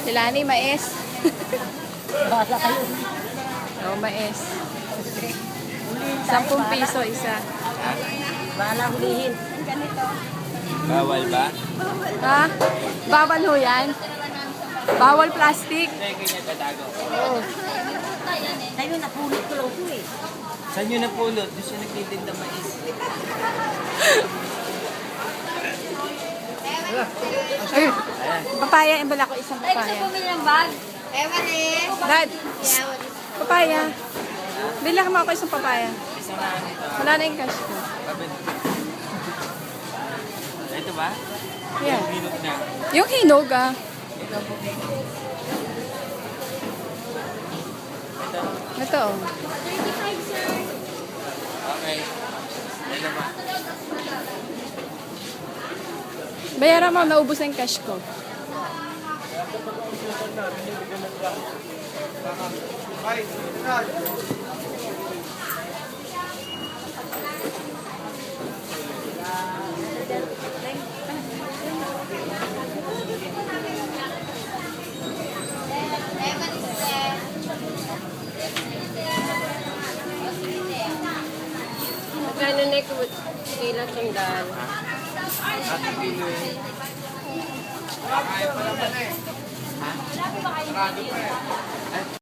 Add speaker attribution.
Speaker 1: Sila ni mais.
Speaker 2: Bala kayo.
Speaker 1: Oo, mais. 10 piso isa.
Speaker 2: Bala hulihin.
Speaker 3: Bawal ba?
Speaker 1: Ha? Bawal ho yan? Bawal plastic?
Speaker 3: Hindi, ganyan tatago.
Speaker 2: Oo. Tayo napulot ko lang ito eh.
Speaker 3: Saan nyo napulot? Doon siya nagtitinda mais.
Speaker 1: Ay, papaya. Imbala ko isang
Speaker 4: Ay, gusto
Speaker 1: papaya.
Speaker 4: bumili ng bag? Ewan eh.
Speaker 1: Dad, papaya. Bila ka mo ako isang papaya.
Speaker 3: Isang na ito.
Speaker 1: Wala na yung cash ko.
Speaker 3: Ito ba?
Speaker 1: Yeah.
Speaker 3: Minok na.
Speaker 1: Yung hinog ah.
Speaker 3: Ito.
Speaker 1: Ito oh.
Speaker 4: 35, sir.
Speaker 3: Okay. Ito ba?
Speaker 1: Bayaran mo, naubos na yung cash ko.
Speaker 4: Ewan is there.
Speaker 2: Magkano na ito? Kailan sandal?
Speaker 3: Ate kilo eh. Kaya pala ba na eh? Ha? Sarado pa eh.